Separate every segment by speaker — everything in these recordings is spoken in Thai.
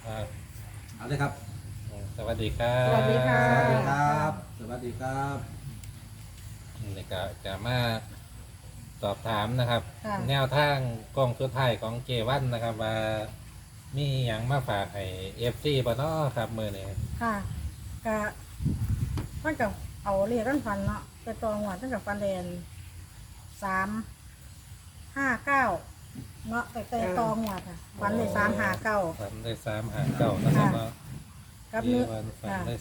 Speaker 1: เอาเลยครับ
Speaker 2: สวัสดีครั
Speaker 3: สวัสดีค่ะ
Speaker 1: สวัสดีครับสวัสดีครับ
Speaker 2: นี่ก็จะมาสอบถามนะครับ
Speaker 3: ค่ะ
Speaker 2: แนวทางกล้องสุดท้ายของเจวันนะครับ ว่ามีอย่างมาฝากให้FCบ่เนาะครับมื้อนี้
Speaker 3: ค่ะก็มันกับเอาเรียกกันฟันเนาะแต่ตองหวานตั้งแต่ฟันแดน359เนาะแต่ตองหวานค่ะฟันเลย359
Speaker 2: ฝันได้359นะครับเนาะ
Speaker 3: กับ
Speaker 2: เจ
Speaker 3: เนื้อ
Speaker 2: วันฝัน
Speaker 3: ค่ะ
Speaker 2: ได้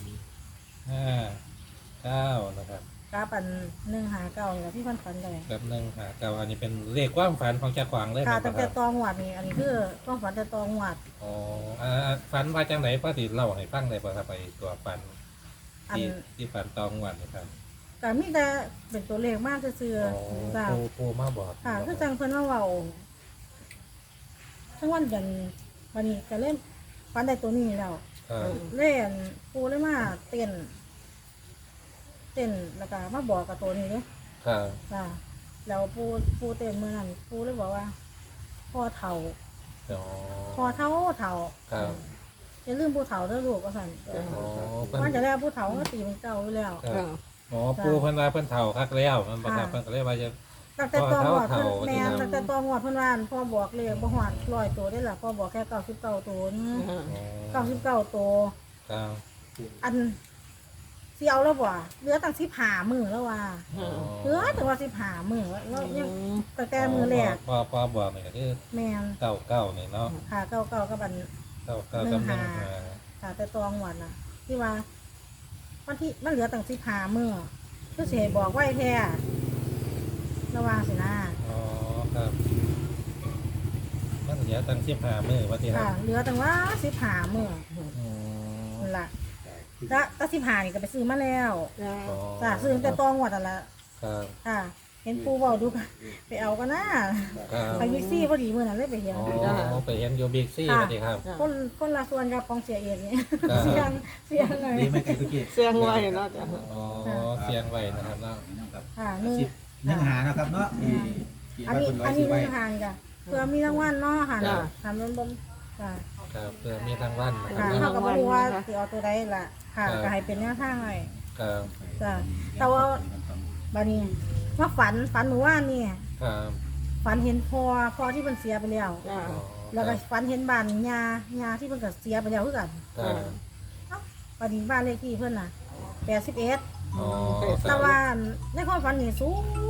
Speaker 2: 359นะครับ
Speaker 3: กับอัน159นี่แหละที่ฟันได้
Speaker 2: กับ159อันนี้เป็นเลขความฝันของเจ้าขวางเลย
Speaker 3: ค่ะ
Speaker 2: นะค
Speaker 3: ตั้งแต่
Speaker 2: รับ
Speaker 3: ตองหวานนี่อันนี้คือต้องฝันแต่ตองหวาน
Speaker 2: อ๋อฝันว่าจังไหนพอสิเล่าให้ฟังได้บ่ครับไปตัวฝัน
Speaker 3: อัน
Speaker 2: ที่ฝันตองวันนี่ครับ
Speaker 3: ก็มีแต่เป็นตัวเลขมากซื่อ
Speaker 2: อ๋อ
Speaker 3: ๆจ้ะ
Speaker 2: ปูมาบอก
Speaker 3: ค่ะคือจังเพิ่นมาเว้าทั้งวันยันวันนี้ก็เล่นฟันได้ตัวนี้แล้ว
Speaker 2: ครับ
Speaker 3: เล่นปูเลยมาเต้นแล้วก็มาบอกกับตัวนี้เด้
Speaker 2: ครับ
Speaker 3: จ้ะแล้วปูเต้นเมื่อนั้นปูเลยบอกว่าพ่อเฒ่า
Speaker 2: อ๋อ
Speaker 3: พ่อเฒ่า
Speaker 2: ครับ
Speaker 3: อย่าลืมผู้เฒ่าเด้อลูกว่าซั่น
Speaker 2: อ๋อเพิ่
Speaker 3: มัน
Speaker 2: น
Speaker 3: จะแล้วผู้เฒ่าก็ตีเป็นเก่าอยู่แล้ว
Speaker 2: ครับอ๋อปูเพิ่นว่าเพิ่นเฒ่าคักแล้วมันบ่ครับ
Speaker 3: ค่ะ
Speaker 2: เพิ่นก็เลยว่าจะ
Speaker 3: ตั้งแต่ตอนหวด
Speaker 2: พ่อ
Speaker 3: เพิ่น
Speaker 2: เฒ่า
Speaker 3: แม่น
Speaker 2: ที่ทำ
Speaker 3: ตั้งแต่ตอนหวดเพิ่นว่าพ่อบอกเลยบ่ฮอด100ตัวได้ล่ะพ่อบอกแค่99ตัวนี่
Speaker 2: อ๋อ
Speaker 3: 99ตัว
Speaker 2: ครับ
Speaker 3: อันสิเอาแล้วบ่เหลือตั้ง15มื้อแล้วว่า
Speaker 2: อ๋อ
Speaker 3: เหลือแต่ว่า15มื้อแล้วยังตั้งแต่มื้อแรก
Speaker 2: พอบอกนี่ก็คือ
Speaker 3: แม่น
Speaker 2: 99นี่เนาะ
Speaker 3: ค่ะเก้ากับอัน
Speaker 2: 99กับ
Speaker 3: ค่ะแต่ตองหวดน่ะ ที่ว่าวันที่มันเหลือตั้ง15มื้อคือสิให้บอกไว้แท้ระวังสินะ
Speaker 2: อ๋อครับมันเหลือตั้ง15มื้อว่าที่ครั
Speaker 3: ค่ะ
Speaker 2: บ
Speaker 3: เหลือตั้งว่า15มื้อ
Speaker 2: อืม
Speaker 3: นั่นล่ะแล้วก็15นี่ก็ไปซื้อมาแล้ว
Speaker 2: อ๋อ
Speaker 3: จ้ะซื้อตั้งแต่ตองหวดนั่นล่ะ
Speaker 2: ครับ
Speaker 3: ค่ะ เห็นปูเว้าดูกันไปเอากันนะครับ ไปบิ๊กซี่พอดีมื้อนั้นเลยไปเห็น
Speaker 2: อ๋อไปเห็นอยู่บิ๊กซี่ว่าที่ครับ
Speaker 3: คนละส่วนกับของเสียเองนี่
Speaker 2: ครับ
Speaker 3: เสียงเลย
Speaker 1: ดีไหมไก่ตุกี้
Speaker 4: เสียงไว้เนาะจ้ะ
Speaker 2: อ๋อเสียงไว้นะครับเนาะ
Speaker 1: ครับ
Speaker 3: ค่ะนี่
Speaker 1: 10ยังหานะครับเนาะที่
Speaker 3: อัน
Speaker 1: ว่า
Speaker 3: นี้
Speaker 1: คนร้อ
Speaker 3: อั
Speaker 1: ย
Speaker 3: น
Speaker 1: ซื้
Speaker 3: นี้
Speaker 1: อไว้
Speaker 3: มือหางจ้ะเพื่อมีรางวัลเนาะค่ะทำเป็นบมจ้ะ
Speaker 2: ครับเพื่อมีทางวันนะครั
Speaker 3: ค่ะ
Speaker 2: บ
Speaker 3: เท่ากับรู้ว่าสิเอาตัวใดล่ะ ค่ะ
Speaker 2: ครับ
Speaker 3: ก็ให้เป็นแนวทางเลย
Speaker 2: ครับ
Speaker 3: จ้ะแต่ว่าบัดนี้มาฝันหนูว่านี่
Speaker 2: ครับ
Speaker 3: ฝันเห็นพ่อที่มันเสียไปแล้ว
Speaker 4: จ้ะ
Speaker 2: อ๋อ
Speaker 3: แล้วก็ฝันเห็นบ้านยาที่มันก็เสียไปแล้วคือกัน
Speaker 2: ครับ
Speaker 3: บัดนี้บ้านเลขที่เพิ่นน่ะ81
Speaker 2: อ๋อ
Speaker 3: แต่ว่าในความฝันนี่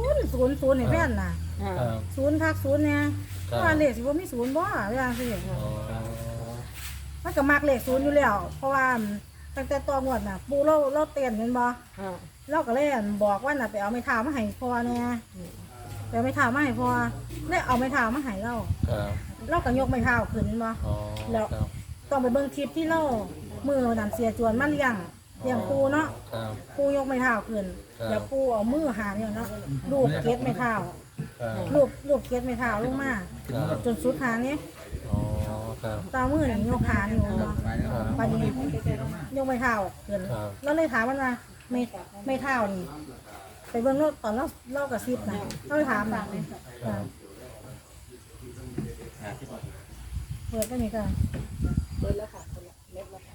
Speaker 3: 000ให้แม่นน่ะ
Speaker 4: จ้ะ
Speaker 2: ครับ
Speaker 3: 0ทัก0เนี่ย
Speaker 2: ครับ
Speaker 3: ว่าเลขสิบ่มี0บ่เวลาสิ
Speaker 2: อ๋อ
Speaker 3: มันก็มักเลข0อยู่แล้ว เพราะว่าตั้งแต่ตอนงวดน่ะ ปู่เราเต้นแม่นบ่
Speaker 4: จ้ะ
Speaker 3: เราก็เลยบอกว่าน่ะไปเอาไม้เท้ามาให้พ่อแน่ไปเอาไม้เท้ามาให้พ่อได้เอาไม้เท้ามาให้เรา
Speaker 2: ครับ
Speaker 3: เราก็ยกไม้เท้าขึ้นบ่
Speaker 2: อ๋อ
Speaker 3: แล้ว
Speaker 2: ครับ
Speaker 3: ต้องไปเบิ่งคลิปที่เรามือนั่นเสียจวนมาเลี้ยงปู่เนาะ
Speaker 2: ครับ
Speaker 3: ปู่ยกไม้เท้าขึ้น
Speaker 2: ครับ
Speaker 3: แล้วปู่เอามือหาเนี่ยเนาะลูบเกล็ดไม้เท้า
Speaker 2: ครับ
Speaker 3: ลูบเกล็ดไม้เท้าลงมา
Speaker 2: ครับ
Speaker 3: จนสุดหางนี้
Speaker 2: อ๋อครับ
Speaker 3: ตามือนี่ยกขานี่เนาะ
Speaker 1: ไปแล้ว
Speaker 3: ปานนี้ยกไม้เท้าขึ้น
Speaker 2: ครับ
Speaker 3: แล้วเลยถามมันว่าไม่เท้านี่ไปเบิ่งรถตอนเรากระซิบนะเราเลยถามนะเปิดไปนี่กัน
Speaker 4: เปิดแล้วค่ะเล็บแล้วค่ะ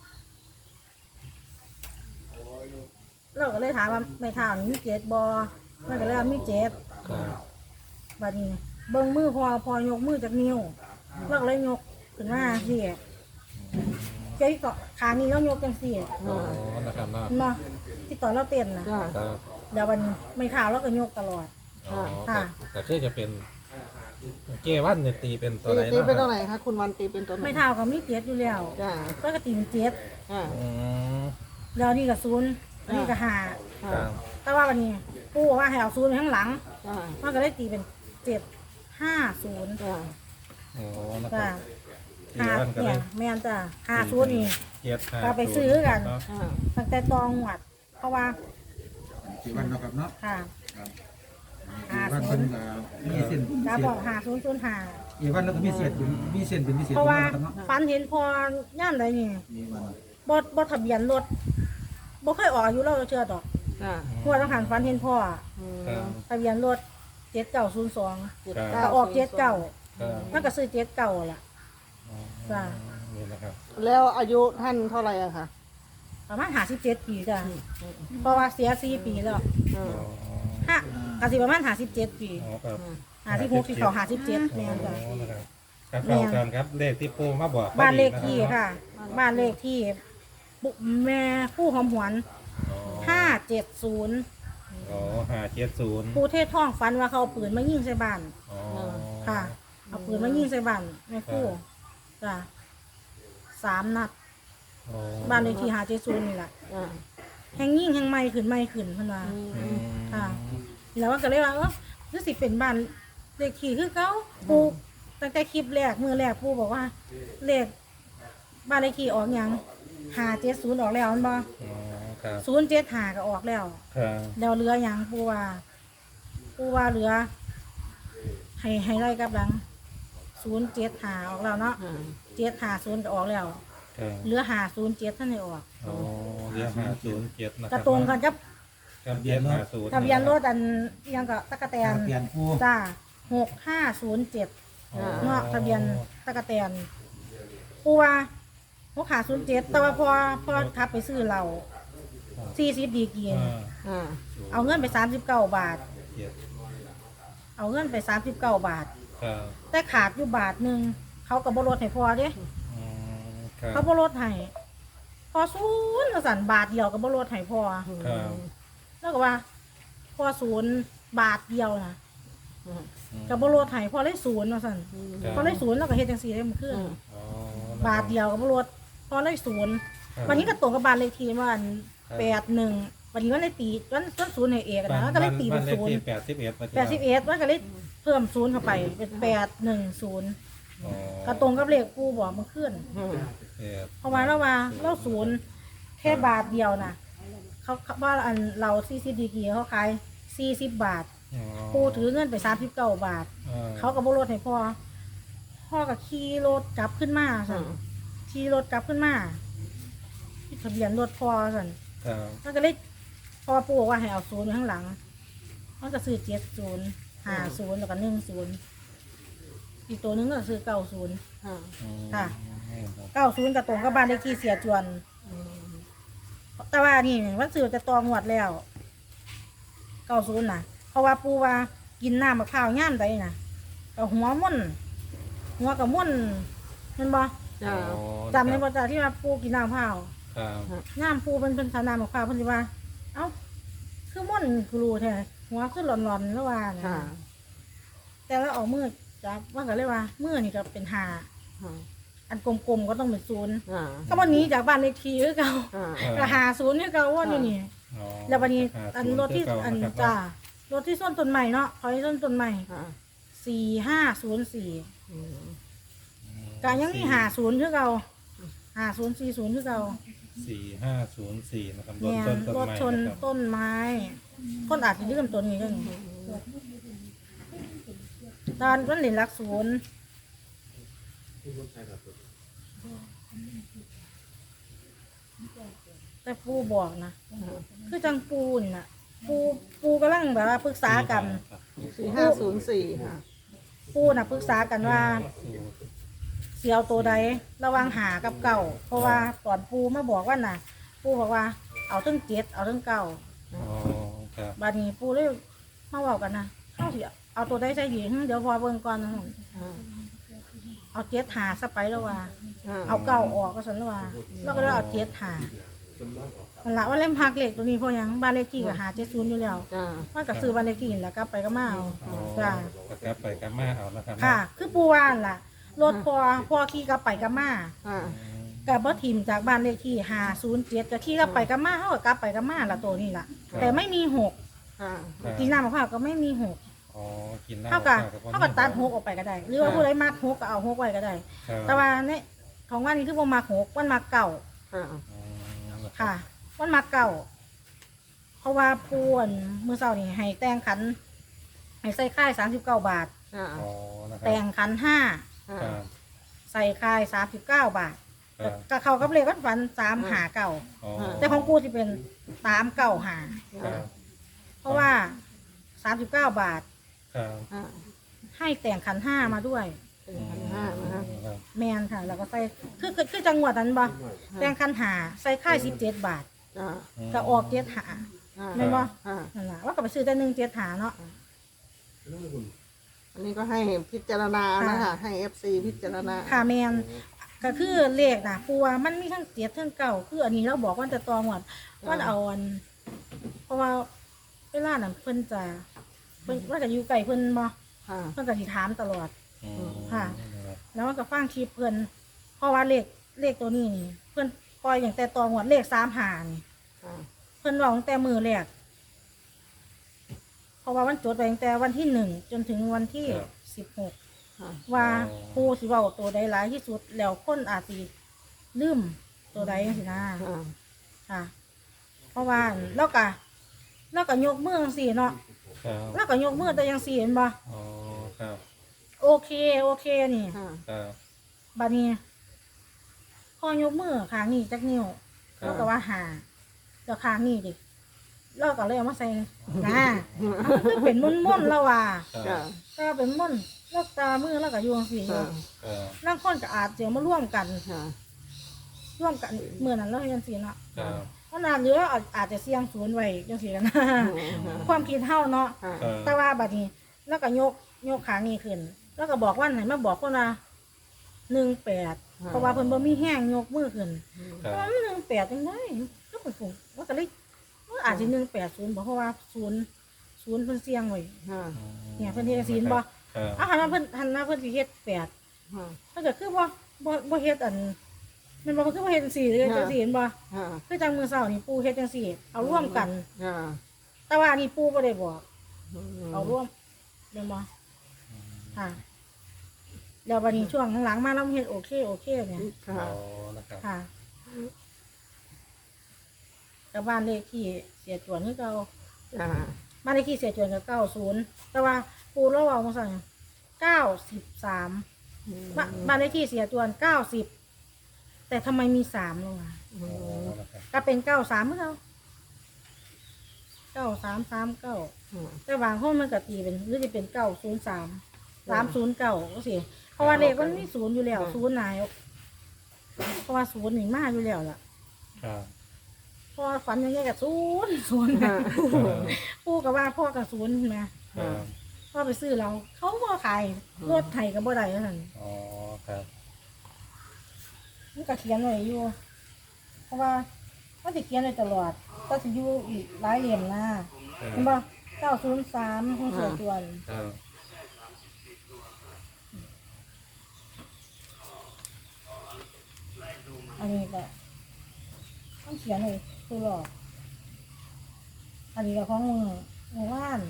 Speaker 3: เราก็เลยถามว่าไม่เท้านี่มีเจ็ดบอมันก็เลยว่ามีเจ็ด
Speaker 2: ครับ
Speaker 3: บัดนี้เบิ่งมือพอยกมือจากนิ้วเราก็เลยยกขึ้นมาสิเจ๊ก็ขานี้เรายกจังสี่
Speaker 2: อ๋อนะครับเนาะ
Speaker 3: เนาะที่ตอนเราเต้นนะ
Speaker 4: จ้ะ
Speaker 2: ครับ
Speaker 3: เดี๋ยววันไม่เท้าเราก็ยกตลอด
Speaker 2: อ๋อ
Speaker 3: ค่ะ
Speaker 2: แต่คือจะเป็นเกวันเนี่ยตีเป็นตัวไหน
Speaker 4: ตี
Speaker 2: เนาะ
Speaker 4: เป็นตัวไหนคะคุณวันตีเป็นตัวไหน
Speaker 3: ไม่เท้าก็มีเจ็ดอยู่แล้ว
Speaker 4: จ้ะ
Speaker 3: ก็กระตีเป็นเจ็ด
Speaker 4: จ้ะ
Speaker 2: อืม
Speaker 3: แล้วนี่ก็ศูนย์อันนี้ก็ห้า
Speaker 2: ค
Speaker 4: จ้ะ
Speaker 2: รับ
Speaker 3: แต่ว่าวันนี้ปู่บอกว่าให้เอาศูนย์ไว้ข้างหลัง
Speaker 4: จ้ะ
Speaker 3: มันก็เลยตีเป็น750
Speaker 4: จ้ะ
Speaker 2: อ๋อนะค
Speaker 3: จ้ะ
Speaker 2: รับตีวันก็เล
Speaker 3: เนี่ย ยแม่นจ้ะ50นี่
Speaker 2: เจ็ดห้า
Speaker 3: ก็ไปซื้อกัน
Speaker 2: เนาะ
Speaker 4: จ้ะ
Speaker 3: ตั้งแต่ตองหวัด เพราะว่า
Speaker 1: กี่วันเนาะครับเนาะ
Speaker 3: ค่ะ
Speaker 1: กี่วันเพิ่นมีเส้น
Speaker 3: จะ
Speaker 1: เสีย
Speaker 3: บอก5005
Speaker 1: กี่วันแล้วก็มีเศษมีเส้นเป็นพิเศษ
Speaker 3: เพราะว่า
Speaker 1: ครับเนาะ
Speaker 3: ฟันเห็นพอย่านใดนี่
Speaker 1: มีวัน
Speaker 3: บ่ทะเบียนรถบ่เคยออกอายุเราเชื่อดอก
Speaker 4: จ้ะ
Speaker 3: หัวต้องหันฟันเห็นพ่อ
Speaker 4: อืม
Speaker 2: ครับ
Speaker 3: ทะเบียนรถ7902
Speaker 4: เจ็ด
Speaker 2: ครับ
Speaker 3: ก็ออก79
Speaker 2: ครับ
Speaker 3: มันก็ซื้อ79ล่ะ
Speaker 2: อ๋อ
Speaker 3: จ้ะ
Speaker 2: นี่นะครับ
Speaker 4: แล้วอายุท่านเท่าไหร่อะคะ
Speaker 3: ประมาณ57 ปีจ้ะเพราะว่าเสีย4 ปีแล้ว
Speaker 4: อืม
Speaker 3: ห้ากสิประมาณ57 ปี
Speaker 2: อ๋อครับ
Speaker 3: 56ที่เขา57แม่นจ้ะ
Speaker 2: อ๋อนะครับครับเข้ากันครับเลขที่ปูมาบอก
Speaker 3: บ้านเลขที่ค่ะ บ้านเลขที่ปุแม่ผู้หอมหวน570
Speaker 2: อ๋อ570
Speaker 3: ผู้เทศท่องฟันว่าเขาเอาปืนมายิงใส่บ้าน
Speaker 2: อ๋อ
Speaker 3: ค่ะ เอาปืนมายิงใส่บ้านแม่ครู่จ้ะ3 นัด
Speaker 2: อ๋อ
Speaker 3: บ้านเลขที่570นี่แหละ
Speaker 4: อ่า
Speaker 3: แห่งยิงแห่งไม่ขึ้นไม่ขึ้นเพิ่นว่า
Speaker 2: อืม
Speaker 3: ค่ะ แล้วก็เลยว่าหรือสิเป็นบ้านเลขที่คือเขาปูตั้งแต่คลิปแรกมือแรกปูบอกว่า เลขบ้านเลขที่ออกหยัง570ออกแล้วมันบ่
Speaker 2: อ๋อครับ
Speaker 3: 075ก็ออกแล้ว
Speaker 2: ครับ
Speaker 3: แล้วเหลือหยังปูว่าเหลือ ให้ไล่กลับหลัง075ออกแล้วเนาะ
Speaker 4: อ่า
Speaker 3: 750ก็ออกแล้ว
Speaker 2: ครับ
Speaker 3: เหลือ507ท่านให้ออก
Speaker 2: อ๋อเรียก507นะค
Speaker 3: ก
Speaker 2: รั
Speaker 3: ระ
Speaker 2: บ
Speaker 3: ตรงกันกับ
Speaker 2: กับเบียน50
Speaker 3: ทะเบียนรถอันอิหยังก็ตะกะแตน
Speaker 1: เปลี่ยนผู้
Speaker 3: จ้า6507
Speaker 2: อ๋อ
Speaker 3: เนาะทะเบียนตะกะแตนปูว่า6507แต่ว่าพอทับไปซื้อเรา40ดีกรี
Speaker 2: อ่า
Speaker 4: อ่า
Speaker 3: เอาเงินไป39 บาท
Speaker 2: เจ็ด
Speaker 3: เอาเงินไป39 บาท
Speaker 2: ครับ
Speaker 3: แต่ขาดอยู่บาทหนึงเขาก็บ่ลดให้พอเด้
Speaker 2: อืมครับ
Speaker 3: เขาบ่ลดให้พอศูนย์ก็สั่นบาทเดียวก็บ่ลดให้พอ
Speaker 2: ครับ
Speaker 3: แล้วก็ว่าพอศูนย์บาทเดียวนะ
Speaker 4: อืม
Speaker 3: ก็บ่ลดให้พอเลยศูนย์ว่าซั่น
Speaker 2: ครับ
Speaker 3: พอเลยศูนย์แล้วก็เฮ็ดจังซี่ได้มันขึ้น
Speaker 2: อ๋อ
Speaker 3: บาทเดียวก็บ่ลดพอเลยศูนย์
Speaker 2: ครับ
Speaker 3: วันนี้ก็ตรงกับบ้านเลขที่ว่าอัน
Speaker 2: ครับ
Speaker 3: 81วันนี้วันเลยตีวันศูนย์ให้เอกนะก็เลยตีเป็น
Speaker 2: บ้านเลข
Speaker 3: ศูนย์
Speaker 2: ที่81
Speaker 3: 81มันก็เลยเพิ่มศูนย์เข้าไปเป็น810
Speaker 2: อ๋อ
Speaker 3: ก็ตรงกับเลขกูบอกมันขึ้น
Speaker 4: อืม
Speaker 3: เพราะว่าเราศูนย์แค่บาทเดียวนะเขาว่าอันเรา40ดีกรีเขาขาย40 บาท ปูถือเงินไป39 บาท เขาก็บ่ลดให้พ่อก็ขี่รถกลับขึ้นมา
Speaker 4: อื
Speaker 3: สั่น
Speaker 4: ม
Speaker 3: ขี่รถกลับขึ้นมาที่ทะเบียนรถพ่อสั่น
Speaker 2: ครับ
Speaker 3: มันก็เลยพ่อปู่บอกว่าให้เอาศูนย์อยู่ข้างหลังมันก็ซื้อ70 50แล้วก็10อีกตัวหนึงก็ซื้อ90
Speaker 4: อ่า
Speaker 3: ค่ะ 90ก็ตรงกับบ้านเลขที่เสียจวน
Speaker 4: อืม
Speaker 3: แต่ว่านี่มันซื้อจะตองวดแล้ว90น่ะ เพราะว่าปู่ว่ากินน้ำมะพร้าวย่ามใดน่ะก็หัวกับม่วนเห็นบ่
Speaker 4: อ่า
Speaker 3: จำในบ่จ้าที่ว่าปู่กินน้ำมะพร้าว
Speaker 2: ครับ
Speaker 3: ย่ามปู่เป็นทาน้ำมะพร้าวเพิ่นสิว่า เอ้าคือม่วนคือรู้แท้หัวคือหลอนๆแล้วว่าน่ะ
Speaker 4: อ่า
Speaker 3: แต่แล้วเอามือจับว่าก็เลยว่ามือนี่ก็เป็น5
Speaker 4: อ่า
Speaker 3: อันกลมๆก็ต้องเป็น0
Speaker 4: อ่า
Speaker 3: ก็บ่หนีจากบ้านเลขที่คือเก่า
Speaker 4: อ่า
Speaker 3: ก็50คือเก่าวนอยู่นี่
Speaker 2: อ๋อ
Speaker 3: แล้ววันนี้อัน
Speaker 2: 50
Speaker 3: รถที่
Speaker 2: เก่า
Speaker 3: อัน
Speaker 2: นะครับ
Speaker 3: จ้ารถที่ส้นต้นใหม่เนาะขอให้ส้นต้นใหม่
Speaker 4: อ่า
Speaker 3: 4504
Speaker 4: อืม
Speaker 3: ก็ยังมี50คือเก่า5040คือเก่า
Speaker 2: 4504นะครับรถ
Speaker 3: เนี่ย
Speaker 2: ชนต้น
Speaker 3: รถ
Speaker 2: ไม้
Speaker 3: ชน
Speaker 2: นะครับ
Speaker 3: ต้นไม้คนอาจจะลืมตัวนี้ก็นี่ตอนต้นเหรียญหลักศูนย์แต่ปูบอกนะคือจังปูนี่นะปูกำลังแบบว่าปรึกษากัน
Speaker 4: 4504ค่ะ
Speaker 3: ปูน่ะปรึกษากันว่าเสียวตัวใดระหวังหากับเก่า เพราะว่าตอนปูมาบอกว่าน่ะ ปูบอกว่าเอาทั้ง7เอาทั้งเก่า
Speaker 2: อ๋อครับ
Speaker 3: บาดนี้ปูเลยมาบอกกันนะเข้าสิเอาตัวใดใส่ดีเดี๋ยวพอเบิ่งก่อนนะ
Speaker 4: อ่า
Speaker 3: เอา7หาซะไปแล้วว่า
Speaker 4: อ่า
Speaker 3: เอาเก่าออกก็สันแล้วว่าแล้วก็เลยเอา7หามันละว่าเล่มพักเหล็กตัวนี้เพราะหยังบ้านเลขที่ก็หา70อยู่แล้ว
Speaker 4: อ่า
Speaker 3: มันก็ซื้อบ้านเลขที่นั่นแหล้วก็ไปก็มาเอา
Speaker 2: อ๋อ
Speaker 3: จ้า
Speaker 2: ก็กลับไปกลับมาเอานะครับ
Speaker 3: ค่ะ คือปูว่านล่ะ รถพอขี่กลับไปกลับมา
Speaker 4: อ่า
Speaker 3: กับบ่ทิมจากบ้านเลขที่507ก็ขี่กลับไปกลับมาเฮาก็กลับไปกลับมาละตัวนี้ล่ะ แต่ไม่มี6
Speaker 4: อ่า
Speaker 3: กินน้ำมะพร้าวก็ไม่มี6
Speaker 2: อ๋อกินน้ำ
Speaker 3: เท่ากับ
Speaker 2: มะพร้ว
Speaker 3: เท่ากับตัด6ออกไปก็ได้ หรือว่าผู้ใดมัก6ก็เอา6ไว้ก็ได้
Speaker 2: ครับ
Speaker 3: แต่ว่าในของว่านี่คือบ่มัก6มันมักเก่า
Speaker 4: อ่า
Speaker 2: อ๋อ
Speaker 3: ค่ะมันมักเก่า เพราะว่าปูนมื้อเช้านี่ให้แต่งขันให้ใส่ค่าย39 บาท
Speaker 4: อ่า
Speaker 2: อ๋อนะครับ
Speaker 3: แต่งขัน
Speaker 4: อ่า
Speaker 2: ครับ
Speaker 3: 5ใส่ค่าย39 บาท
Speaker 2: ครับ
Speaker 3: ก็เข้ากับเลขวันฝัน3หาเก่า
Speaker 2: อ๋อ
Speaker 3: แต่ของกูสิเป็น3 9หา
Speaker 2: ครับ
Speaker 3: เพราะว่า39 บาท
Speaker 2: ครับ
Speaker 4: อ่า
Speaker 3: ให้แต่งขัน 5มาด้วย
Speaker 4: เป็น1,500นะคะ
Speaker 2: ครับครับ
Speaker 3: แมนค่ะ แล้วก็ใส่คือจังหวัดนั้นบ่แต่งคันหาใส่ค่าย17 บาท
Speaker 4: จ้า
Speaker 3: ก็ออก7หา
Speaker 4: อ่า
Speaker 3: แม่นบ่
Speaker 4: อ่า
Speaker 3: นั่นล่ะว่าก็ไปซื้อแต่1 7หาเนาะ
Speaker 4: อันนี้ก็ให้พิจารณานะคะให้ FC พิจารณา
Speaker 3: ค่ะแมนก็คือเลขนะปูว่ามันมีทั้ง7ทั้ง9คืออันนี้เราบอกว่าจะตองหมดว่าเอาอัน เพราะว่าเวลานั้นเพิ่นจะเพิ่นว่าจะอยู่ไกลเพิ่นบ่
Speaker 4: ค่ะ
Speaker 3: เพิ่นก็สิถามตลอด
Speaker 2: อืม
Speaker 3: ค่ะ
Speaker 2: ครับ
Speaker 3: แล้วมันก็ฟังคลิปเพิ่นเพราะว่าเลขตัวนี้นี่เพิ่นปล่อยอย่างแต่ตองหมดเลข3หานี่
Speaker 4: ค่ะ
Speaker 3: เพิ่นบอกตั้งแต่มือแรกเพราะว่ามันจดไปตั้งแต่วันที่1จนถึงวันที่16
Speaker 4: ค่ะ
Speaker 3: ว่าผู้สิเว้าตัวใดหลายที่สุดแล้วคนอาจสิลืมตัวใดจังซี่นะ
Speaker 4: ค่ะ
Speaker 3: ค่ะ เพราะว่าแล้วก็ยกมือจังซี่เนาะ
Speaker 2: ครับ
Speaker 3: แล้วก็ยกมือแต่จังซี่เห็นบ่
Speaker 2: อ๋อครับ
Speaker 3: โอเคนี่
Speaker 4: ค่ะ
Speaker 2: ครับ
Speaker 3: บัดนี้ พอยกมือข้างนี้จักนิ้ว
Speaker 2: ครับ
Speaker 3: แล้วก็ว่าหาแล้วข้างนี้ดิเราก็เลยเอามาใส่นะคือเป็นมุ่นๆแล้วว่า
Speaker 2: ครั
Speaker 4: จ้า
Speaker 2: บ
Speaker 3: ก็เป็นมุ่นแล้วตามือแล้วก็อยู่จังซี่
Speaker 4: ค่ะ
Speaker 2: ครับ
Speaker 3: นั่งคนก็อาจจะมาร่วมกัน
Speaker 4: ค่ะ
Speaker 3: ร่วมกันเมื่อนั้นเราเห็นสิเนาะ
Speaker 2: ครับ
Speaker 3: เพราะนานเยอะอาจจะเสี่ยงศูนย์ไว้จังซี่กันนะ ความคิดเฮาเนาะ
Speaker 4: ค่ะ
Speaker 2: ครับ
Speaker 3: แต่ว่าบัดนี้ แล้วก็ยกขานี้ขึ้น แล้วก็บอกว่าไหนมาบอกคนว่า18เพราะว่าเพิ่นบ่มีแห้งยกมือขึ้น
Speaker 2: ครับ
Speaker 3: ว่ามัน18จังได๋ก็เป็นฝูงว่าก็เลยว่าอาจสิ180บ่เพราะว่า0เพิ่นเสี่ยงไว้
Speaker 4: ค่ะ
Speaker 3: เนี่ยเพิ่นเฮ็ดศีลบ่
Speaker 2: ครับ
Speaker 3: หันมาเพิ่นสิเฮ็ด8
Speaker 4: ค่ะ
Speaker 3: ถ้าเกิดคือบ่เฮ็ดอันแมันบ่คือบ่เฮ็ดจังซี่เลยจังซี่เห็นบ่
Speaker 4: ค่ะ
Speaker 3: คือจังมื้อเช้านี่ปู่เฮ็ดจังซี่เอาร่วมกัน
Speaker 4: ค่ะ
Speaker 3: แต่ว่าอันนี้ปู่บ่ได้บอกเอาร่วมแม่นบ่ค่ะแล้วบัดนี้ช่วงหลังๆมาเราเฮ็ดโอเคเนี่ย
Speaker 4: ค่ะ
Speaker 2: อ๋อนะครับ
Speaker 3: ค่ะกับบ้านเลขที่เสียจวนคือเก่า
Speaker 4: จ้า
Speaker 3: บ้านเลขที่เสียจวนก็90แต่ว่าปู่เราเว้ามาสั่ง93บ้านเลขที่เสียจวน90แต่ทำไมมี3ลงมา
Speaker 2: อ๋อนะครับ
Speaker 3: ก็เป็น93เหมือนกัน9339แต่บางห้องมันก็ตีเป็นหรือจะเป็น903 309ก็สิเพราะว่าเลขมันมี0อยู่แล้ว0นายเพราะว่า0นี่มาอยู่แล้วล่ะ
Speaker 2: ครับ
Speaker 3: เพราะว่าฝันอยังไงกับ0นะ
Speaker 4: ค่ะ
Speaker 3: ปู่กับว่าพ่อกับ0นะ
Speaker 2: ครับ
Speaker 3: พ่อไปซื้อเราเขาบ่ขายรถไถกับบ่ได้เท่านั้น
Speaker 2: อ๋อครับ
Speaker 3: มันก็เขียนไว้อยู่ เพราะว่ามันจะเขียนไว้ตลอด ก็จะอยู่อีกหลายเหลี่ยมนะเห็นบ่903ของเสือจวน
Speaker 2: ครับ
Speaker 3: อันนี้ก็ต้องเขียนไว้ตัวหลอกอันนี้ก็ของมือว่าน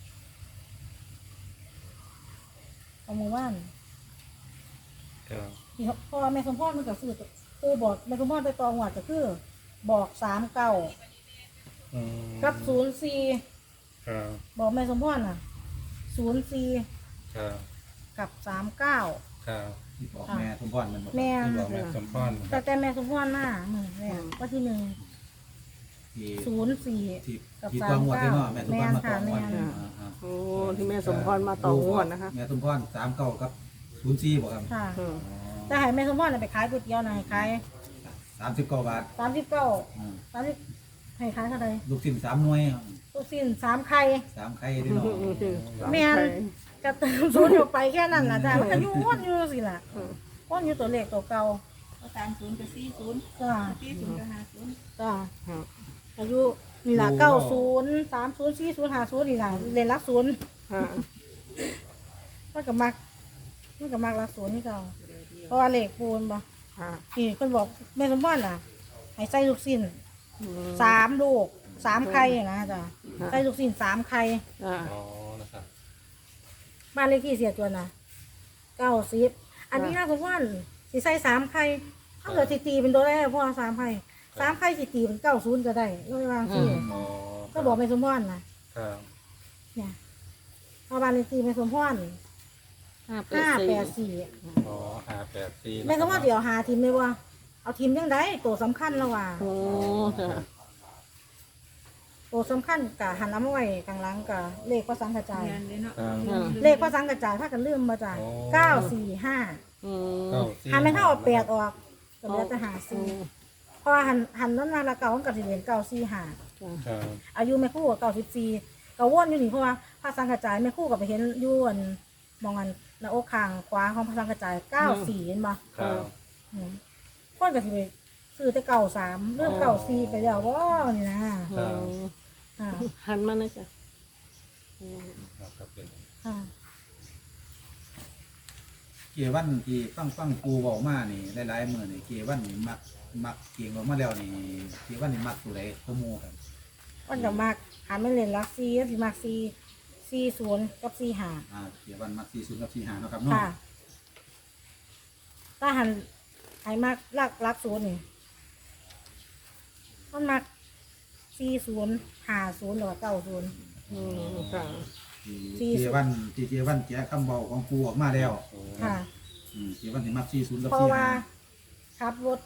Speaker 3: ของมือว่าน
Speaker 2: ครับ
Speaker 3: ที่เพราะว่าแม่สมพรมันก็ซื้อปูบอกแม่สมพรไปตองหวัดก็คือบอก39
Speaker 2: อืม
Speaker 3: กับ04
Speaker 2: ครับ
Speaker 3: บอกแม่สมพรน่ะ04
Speaker 2: ครับ
Speaker 3: กับ39
Speaker 2: ครับ
Speaker 1: ที่บอกแม่สมพรมันบอก
Speaker 3: แม่
Speaker 2: ที่บอกแม่สมพรค
Speaker 3: แต่
Speaker 2: รับ
Speaker 3: แต่แม่สมพรมาเหมือนแรกว่าที่
Speaker 1: ที่
Speaker 3: 104
Speaker 1: ที่
Speaker 3: กับ
Speaker 1: ที่ต้องวัดได้เนาะแม่สมพรมา
Speaker 3: แม่นค่ะ
Speaker 1: ต้องวัด
Speaker 3: แม่น
Speaker 4: โอ้ที่แม่สมพรมาต่องวดนะคะ
Speaker 1: แม่สมพร39กับ04บอกครับ
Speaker 3: ค่ะ
Speaker 4: อืม
Speaker 3: แต่ให้แม่สมพรน่ะไปขายก๋วยเตี๋ยวน่ะให้ขาย
Speaker 1: 39 บาท
Speaker 3: 39
Speaker 1: อืม
Speaker 3: 30ให้ขายเท่าไหร่
Speaker 1: ลูกชิ้น3หน่วย
Speaker 3: ลูกชิ้น3ไข่
Speaker 1: 3ไข่เด้อเนาะ
Speaker 3: แม่น ก็เติมศูนย์ออกไปแค่นั้นล่ะจ้ะมันก็อยู่วนอยู่สิล่ะวนอยู่ตัวเลขตัวเก่า
Speaker 5: 30กับ40
Speaker 3: จ้า
Speaker 5: 40กับ50
Speaker 3: จ้า
Speaker 4: ค่ะ
Speaker 3: อายุนี่ล่ะ90 30 40 50นี่ล่ะเรียนรักศูนย์
Speaker 4: ค่ะ
Speaker 3: มันก็มักรักศูนย์นี่เก่าเพราะว่าเลขปูนบ่
Speaker 4: ค่ะ
Speaker 3: นี่เพิ่นบอกแม่สมพรน่ะให้ใส่ลูกชิ้น
Speaker 4: อืม
Speaker 3: 3ลูก3ไข่นะจ้ะใส่ลูกชิ้น3ไข่
Speaker 4: จ้า
Speaker 2: อ๋อนะครับ
Speaker 3: บ้านเลขที่เสียจวนน่ะ90อันนี้นะผมว่าสิใส่3ไข่ถ้าเกิดสิตีเป็นตัวได้เพราะว่า3ไข่3ไข่สิตีเป็น90ก็ได้ก็ไม่ว่าสิ
Speaker 2: อ๋อ
Speaker 3: ก็บอกแม่สมพรนะครับ เนี่ยเพราะบ้านเลขที่แม่สมพร 584
Speaker 2: อ๋อ584
Speaker 3: แม่สมพรเดี๋ยวหาทีมเลยว่าเอาทีมยังไงตัวสำคัญแล้วว่า
Speaker 4: โอ้ค่ะ
Speaker 3: ตัวสำคัญกะหันน้ำไว้กลางหลังกะเลขพระสังกระจาย
Speaker 5: งานเลยเนาะ
Speaker 2: ครับ
Speaker 4: ค่ะ
Speaker 3: เลขพระสังกระจายถ้ากันลืมมาจ้ะ
Speaker 2: โอ้
Speaker 3: 945
Speaker 4: อืม
Speaker 2: เก้าสี่
Speaker 3: หันไม่เท่าเอาแปดออกก็เหลือแต่หาซีเพราะว่าหันนั้นมาละเก่ามันก็สิเหรียญเก่าซีหา
Speaker 2: ครับ
Speaker 3: อายุแม่ครู่กับ94ก็วนอยู่นี่เพราะว่าพระสังกระจายแม่ครู่ก็ไปเห็นอยู่อันมองอันหน้าอกข้างขวาของพระสังกระจาย94เห็นบ่
Speaker 2: ครับ
Speaker 3: คนก็สิไปซื้อแต่93เรื่อง94ไปแล้วบ่นี่นะ
Speaker 2: ครับ
Speaker 3: ค่ะ
Speaker 4: หันมานะจ๊ะ
Speaker 2: ครับเป็น
Speaker 3: ค่ะ
Speaker 1: เกวันที่ฟังปูเว้ามานี่หลายๆมื้อนี่เกวันนี่มักเก่งออกมาแล้วนี่เกวันนี่มักตัวใดก็หมู่ครับ
Speaker 3: มันก็มักหันไม่เล่นลักซีสิมัก40กับ45
Speaker 1: เกวันมัก40กับ45เนาะครับเนาะ
Speaker 3: ค่ะถ้าหันไอ้มักลัก0นี่มันมัก40 50หรือว่า90
Speaker 4: อืมค่ะ
Speaker 1: ที่เกวันแก้คำเว้าของปูออกมาแล้ว
Speaker 3: ค่ะ
Speaker 1: เกวันนี่มัก40กับ
Speaker 3: เพราะว่า
Speaker 1: 45
Speaker 3: ขับรถ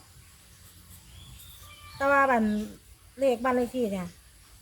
Speaker 3: แต่ว่าบันเลขบ้านเลขที่เนี่ย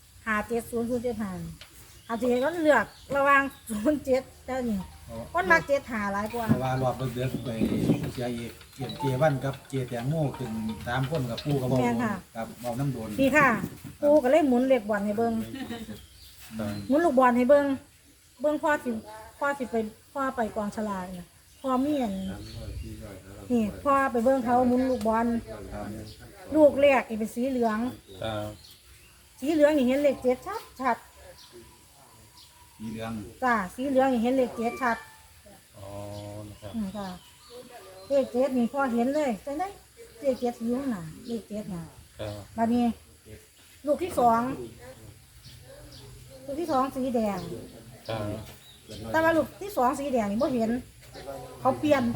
Speaker 3: 570075อาจจะก็เลือกระหว่าง07แต่นี่คนมัก7หาหลายกว่า
Speaker 1: เพราะว่ารอบเดือดไปเสียอีกเกวันกับเกแตงโมขึ้น3คนกับปูก็เว้ากับเว้าน้ำโดน
Speaker 3: นี่ค่ะปูก็เลยหมุนเลขบอลให้เบิ่ง
Speaker 2: ครับ
Speaker 3: หมุนลูกบอลให้เบิ่งพ่อสิไปกองฉลากน่ะพ่อมีอันนี่พ่อไปเบิ่งเขาหมุนลูกบอล
Speaker 1: ครับ
Speaker 3: ลูกแรกนี่เป็นสีเหลือง
Speaker 2: ครับ
Speaker 3: สีเหลืองนี่เห็นเลข7ชัด
Speaker 1: มีเรื่อง
Speaker 3: จ้าสีเหลืองนี่เห็นเลข7ชัด
Speaker 2: อ๋อนะครับ
Speaker 3: ค่ะเลข7นี่พ่อเห็นเลยจังได๋เลข7อยู่น่ะเลข7น่ะ
Speaker 2: ครับ
Speaker 3: บัดนี้ ลูกที่สองสีแดง
Speaker 2: ครับ
Speaker 3: แต่ว่าลูกที่สองสีแดงนี่บ่เห็น เขาเปลี่ยน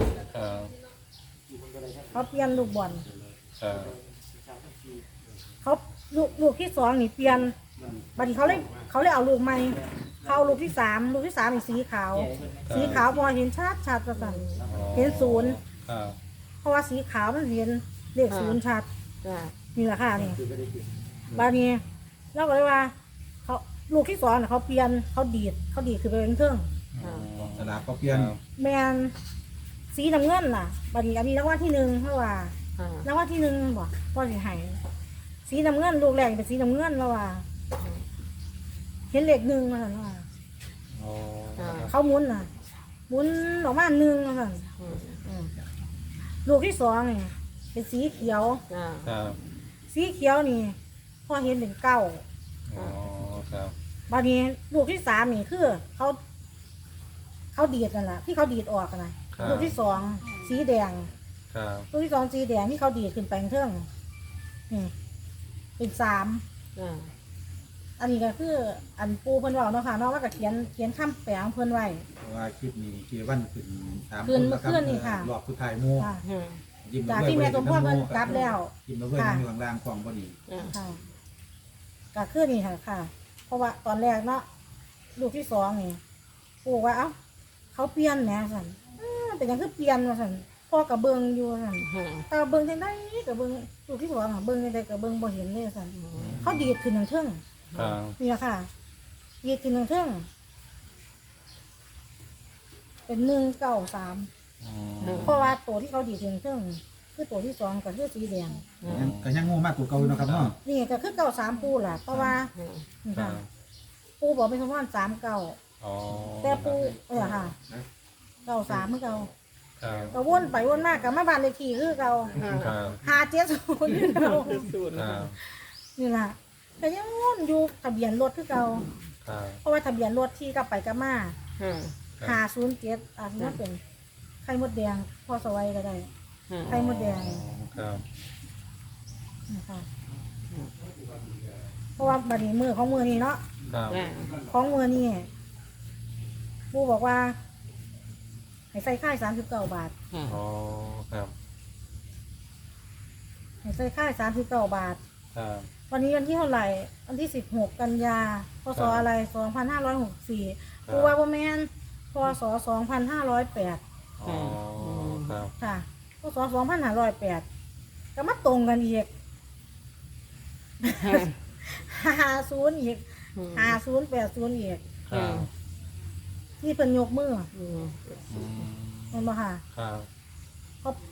Speaker 2: ครับ
Speaker 3: ลูกบอล
Speaker 2: ครับ
Speaker 3: เขาลูกที่สองนี่เปลี่ยนบัดนี้เขาเลยเอาลูกใหม่เขาเอาลูกที่สามนี่สีขาว สีขาวพอเห็นชัดประสันเห็นศูนย์
Speaker 2: ครับ
Speaker 3: เพราะว่าสีขาวมันเห็นเลขศูนย์ชัด
Speaker 4: จ้ะ
Speaker 3: นี่แหละค่ะนี่บัดนี้เราก็เลยว่า เขาลูกที่สองน่ะเขาเปลี่ยนเขาดีดคือไปเป็นเครื่อง
Speaker 1: สลากก็เปลี่ยน
Speaker 3: แมนสีน้ำเงินล่ะบัดนี้อันนี้รางวัลที่หนึ่งเพราะว่า
Speaker 4: ค่ะ
Speaker 3: รางวัลที่หนึ่งบ่พ่อสิให้สีน้ำเงินลูกแรกเป็นสีน้ำเงินแล้วว่า เห็นเลขหนึ่งมาสั่นว่า
Speaker 2: อ๋อ
Speaker 3: เขาหมุนน่ะหมุนออกมาหนึ่งมาสั่น
Speaker 4: อืม
Speaker 3: ลูกที่สองนี่เป็นสีเขียว
Speaker 4: จ้ะ
Speaker 2: ครับ
Speaker 3: สีเขียวนี่พ่อเห็นเป็นเก้า
Speaker 2: อ๋อครับ
Speaker 3: บัดนี้ลูกที่สามนี่คือเขาดีดกันล่ะที่เขาดีดออกกันนะลูกที่สองสีแดง
Speaker 2: ครับ
Speaker 3: ลูกที่สองสีแดงที่เขาดีดขึ้นไปเครื่องนี่เป็นสาม
Speaker 4: จ้ะ
Speaker 3: อันนี้ก็คืออันปูเพิ่นบอกเนาะค่ะเนาะว่าก็เขียนคำแปลของเพิ่นไว้
Speaker 1: เพราะว่าคลิปนี้เกวันขึ้น3
Speaker 3: ขึ้นเมื่อคืนนี่ค่ะ
Speaker 1: รอบสุดท้ายหมู่
Speaker 3: ค่ะ
Speaker 4: ค่ะ
Speaker 1: ยิ้ม
Speaker 3: จากที่แม่สมพรเพิ่นกลับแล้ว
Speaker 1: ยิ้มมาเพื่อนอยู่ข้างล่างกล่องพอดี
Speaker 4: จ้ะ
Speaker 3: ค่ะก็คือนี่ค่ะค่ะ เพราะว่าตอนแรกเนาะลูกที่สองนี่ปูว่าเอ้าเขาเปลี่ยนแหน่สั่นเป็นหยังคือเปลี่ยนว่าสั่นพ่อกับเบิงอยู่สั่น
Speaker 4: ค่ะ
Speaker 3: แต่เบิงจังไดกับเบิงลูกที่สองอะเบิงจังไดกับเบิงบ่เห็นเลยสั่นเขาดีดขึ้นทางเทิง
Speaker 2: ครับ
Speaker 3: นี่ล่ะค่ะดีดขึ้นทางเทิงเป็น193
Speaker 2: อืม
Speaker 3: เพราะว่าตัวที่เขาดีดขึ้นทางเทิงคือตัวที่สองก็คือสีแดง
Speaker 1: ก็ยังงูมากกว่าเก่าอยู่เนาะครับเนาะ
Speaker 3: นี่ก็คือ93ปูล่ะเพราะว่านี่
Speaker 2: ครั
Speaker 3: ค่ะ
Speaker 2: บ
Speaker 3: ปูบอกเป็นสมพร39
Speaker 2: อ๋อ
Speaker 3: แต่ปูค่ะ93เมื่อเก่า
Speaker 2: ครับ
Speaker 3: ก็วนไปวนมากกับมาบ้านเลขที่คือเก่า
Speaker 2: ครับ
Speaker 3: 570อยู่เก่า
Speaker 4: ศูนย์
Speaker 2: ครับ
Speaker 3: นี่ล่ะแต่ยังวนอยู่ทะเบียนรถคือเก่า
Speaker 2: ครับ
Speaker 3: เพราะว่าทะเบียนรถที่กลับไปกลับมา
Speaker 4: ค่ะ
Speaker 3: 507อาจจะเป็นไข่มดแดงพอสวัยก็ได้
Speaker 4: ค่ะ
Speaker 3: ไข่มดแดง
Speaker 2: ครับ
Speaker 3: นะคะเพราะว่าบัดนี้มือของมือนี้เนาะ
Speaker 2: ครับ
Speaker 4: จ้ะ
Speaker 3: ของมือนี่ปูบอกว่าให้ใส่ค่าย39 บาท
Speaker 4: ค่ะ
Speaker 2: อ๋อครับ
Speaker 3: ให้ใส่ค่าย39 บาท
Speaker 2: ครับ
Speaker 3: วันนี้วันที่เท่าไหร่วันที่16 กันยาพศอะไร2564ปูว่าบ่แม่นพศ2508
Speaker 2: อ๋อครับ
Speaker 3: ค่ะพศ2508ก็มาตรงกันอีก 50อีก5080อีก
Speaker 2: ครับ
Speaker 3: ที่เพิ่นยกมือ
Speaker 4: อืม
Speaker 2: อืม
Speaker 3: เห็นบ่ค่ะ
Speaker 2: ครับ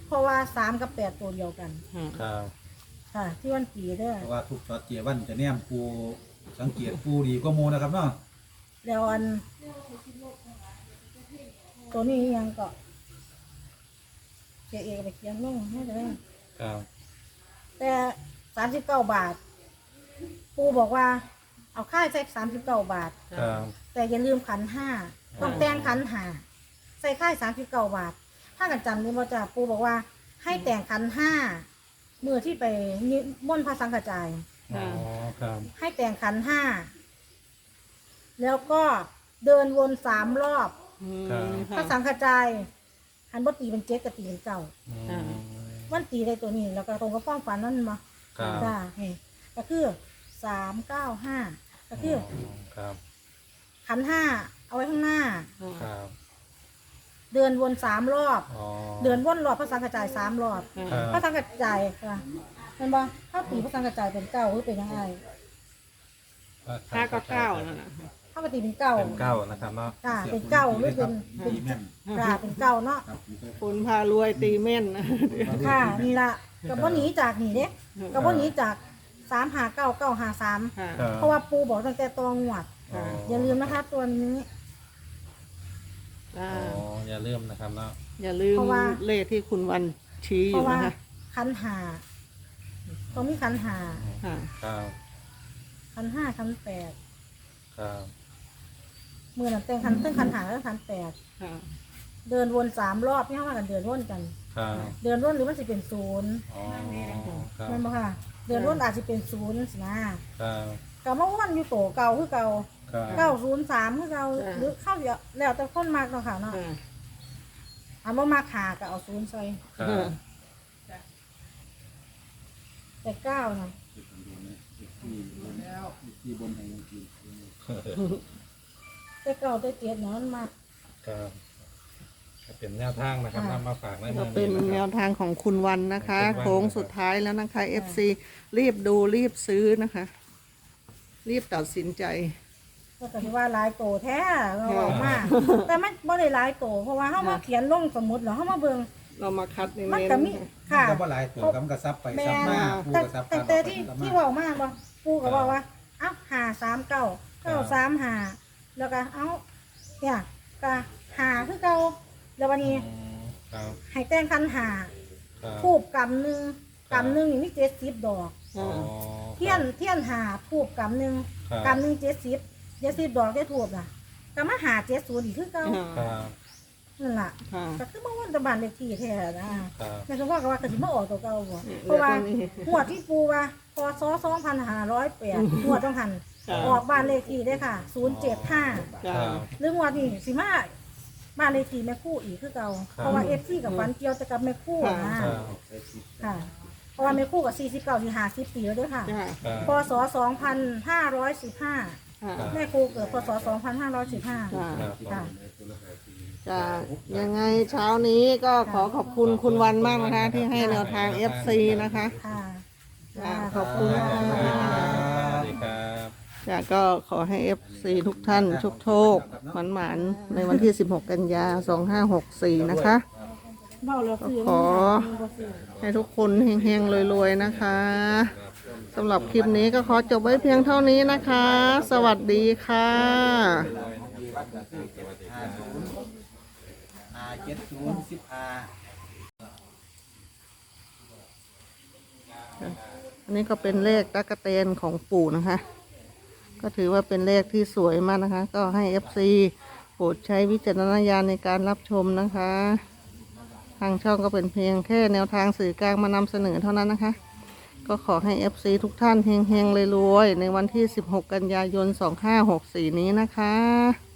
Speaker 3: เพราะว่า3กับ8ตัวเดียวกัน
Speaker 2: ครับ
Speaker 3: ค่ะ ที่วันปีเด้อ
Speaker 1: เพราะว่าทุกช็อตเจวันจะแนมปูสังเกตปูดีก็โมนะครับเนาะ
Speaker 3: แล้วอันตัวนี้ยังก็เจเอกไปเขียนลงให้ได้
Speaker 2: ครับ
Speaker 3: แต่39 บาท ปูบอกว่า เอาค่าใส่39 บาท
Speaker 2: ครับ
Speaker 3: แต่อย่าลืมขันห้าต้องแต่งขันหาใส่ค่าย39 บาท ถ้ากันจำได้บ่จ้ะปูบอกว่า ให้แต่งขันห้ามือที่ไปนิมนต์พระสังฆจาย
Speaker 2: อ๋อครับ
Speaker 3: ให้แต่งขันห้าแล้วก็เดินวน3 รอบ พระสังฆจายหันบ่ตีเป็น7กับตีเป็น9
Speaker 2: อืม
Speaker 3: มันตีได้ตัวนี้ แล้วก็ตรงกับความฝันนั่นมา
Speaker 2: ครับ
Speaker 3: จ้านี่ก็คือ395ก็คือ
Speaker 2: ครับ
Speaker 3: ขันห้าเอาไว้ข้างหน้า
Speaker 2: ครับ
Speaker 3: เดินวน3 รอบ
Speaker 2: อ๋อ
Speaker 3: เดินวนรอบพระสังฆจาย3 รอบ
Speaker 2: ครับ
Speaker 3: พระสังฆจายค่ะมันบอกถ้าตีพระสังฆจายเป็น9หรือเป็นยังไง
Speaker 4: ห้าก็เก้านั่นแหละ
Speaker 3: ถ้าปกติเป็น9
Speaker 2: เป็นเก้านะครับเนาะ
Speaker 3: จ้าเป็น9หรือเป็น
Speaker 1: ตีแม่น
Speaker 3: เป็น9เนาะ
Speaker 1: ครับ
Speaker 4: คุณพารวยตีเม่นนะ
Speaker 3: ค่ะนี่ละกับว่าหนีจากนี่เด้กับว่าหนีจาก359 953
Speaker 4: ค่ะ
Speaker 2: ครับ
Speaker 3: เพราะว่าปูบอกตั้งแต่ตองหวด
Speaker 2: อ๋อ
Speaker 3: อย่าลืมนะคะตัวนี้
Speaker 4: จ้า
Speaker 2: อ๋ออย่าลืมนะครับเนาะ
Speaker 4: อย่าลืม
Speaker 3: เพราะว่า
Speaker 4: เลขที่คุณวันชี้อ
Speaker 3: เพราะ
Speaker 4: ยู่
Speaker 3: ว่า
Speaker 4: นะคะ
Speaker 3: ขันหาต้องมีขันหา
Speaker 4: ค่ะ
Speaker 2: ครับ
Speaker 3: ขันห้าขัน8
Speaker 2: ครับ
Speaker 3: มือนั่นแต่งขันตึ้งขันหาแล้วขัน8
Speaker 4: ค่ะ
Speaker 3: เดินวน3 รอบพี่เข้ามากันเดินวนกัน
Speaker 2: ครับ
Speaker 3: เดินวนหรือมันจะเป็น0
Speaker 2: อ๋อครับ
Speaker 3: แม่นบ่ค่ะ เดือนรุ่นอาจจะเป็น0สินะครับ ก็มาวันอยู่โตเก่าคือเก่า
Speaker 2: ครับ
Speaker 3: 903คือเก่าหรือเข้าเยอะแล้วแต่คนมากเนาะค่ะเนาะ
Speaker 4: ค่ะ
Speaker 3: เอาบ่มาขาก็เอา0ใส่
Speaker 2: ครับ
Speaker 3: แต่9น่ะ
Speaker 1: ที่บนแห่งจริง
Speaker 3: แต่9แต่7เนาะมันมาก
Speaker 2: ครับก็เป็นแนวทางนะครับ
Speaker 3: ค่ะ
Speaker 2: นำมาฝากใน
Speaker 4: ก็
Speaker 2: มือ
Speaker 4: เป็น
Speaker 2: นี้
Speaker 4: แน
Speaker 2: นะคว รับ
Speaker 4: ทางของคุณวันนะคะ
Speaker 2: ของคุณวัน
Speaker 4: โค้งสุดท้ายแล้วนะคะ FC รีบดูรีบซื้อนะคะ รีบตัดสินใจ
Speaker 3: ก็ถือว่าหลายโตแท้เราบอกมาแต่มันบ่ได้หลายโตเพราะว่าเฮามาเขียนลงสมุดแล้วเฮามาเบิ่ง
Speaker 4: เรามาคัดใน
Speaker 3: มัน
Speaker 4: เมน
Speaker 3: ก็มีค่ะ
Speaker 1: ก็บ่หลายตัวกำกระซับไป
Speaker 3: แม่
Speaker 1: ซับมาปู
Speaker 3: แต่
Speaker 1: กระซับ
Speaker 3: แต่ที่เว้ามาบ่ปูก็บอกว่าเอ้า539 935แล้วก็เอ้าเนี่ยก็หาคือเก่าแล้ววันนี้
Speaker 2: อืมครับ
Speaker 3: ให้แต่งคันหา
Speaker 2: ครับ
Speaker 3: ทูบกำหนึ่งกำหนึ่งนี่มี70 ดอก
Speaker 2: อ๋อ
Speaker 3: เทียนหาทูบกำหนึ่ง
Speaker 2: ครับ
Speaker 3: กำหนึ่ง70ดอกได้ทูบน่ะก็มาหา70อีกคือเก่า
Speaker 2: ครับ
Speaker 3: นั่นล่ะ
Speaker 4: ค่ะ
Speaker 3: ก็คือมาวันตะบานเลขที่แท้นะครับ แม่สมพรก็ว่าก็สิมาออกตัวเก่าบ่
Speaker 4: อืม
Speaker 3: เพราะว่า
Speaker 4: แล้วก็นี่
Speaker 3: หัวดที่ปูว่าพศ2508หัวดต้องหัน
Speaker 4: ค่ะ
Speaker 3: ออกบ้านเลขที่ได้ค่ะ075
Speaker 4: จ้า
Speaker 2: ครับ
Speaker 3: หรือหัวดนี่สิมาบ้านเลขที่แม่คู่อีกคือเก่าเพราะว่า FC กับฟันเกี่ยวแต่กับแม่คู่นะ
Speaker 2: ครับ
Speaker 3: ค่ะ เพราะว่าแม่คู่กับ49ที่50ปีแล้วเด้วยค่ะ
Speaker 4: จ้า
Speaker 2: ครับ
Speaker 3: พศ2515
Speaker 4: ค่ะ
Speaker 3: แม่ครูเกิดพศ2515
Speaker 4: จ้า
Speaker 2: ครับ
Speaker 3: ค่ะ
Speaker 4: จ้ายังไงเช้านี้ก็ขอขอบคุณคุณวันมากนะคะ ที่ให้แนวทาง FC นะคะ
Speaker 3: ค่ะ
Speaker 4: จ้าขอบคุณ
Speaker 2: ส
Speaker 4: ค่ะ
Speaker 2: วัสดีครับ
Speaker 4: จ้าก็ขอให้ FC ทุกท่านโชคหมานๆในวันที่ 16 กันยา 2564 นะคะ
Speaker 3: เบ้าแล้วซื้อ
Speaker 4: ขอ ให้ทุกคนเฮงๆรวยๆนะคะสำหรับคลิปนี้ก็ขอจบไว้เพียงเท่านี้นะคะ สวัสดีค่ะ อันนี้ก็เป็นเลขตั๊กแตนของปู่นะคะ ก็ถือว่าเป็นเลขที่สวยมากนะคะ ก็ให้ FC โปรดใช้วิจารณญาณในการรับชมนะคะ ทางช่องก็เป็นเพียงแค่แนวทางสื่อกลางมานำเสนอเท่านั้นนะคะ ก็ขอให้ FC ทุกท่านเฮงๆรวยๆในวันที่ 16 กันยายน 2564 นี้นะคะ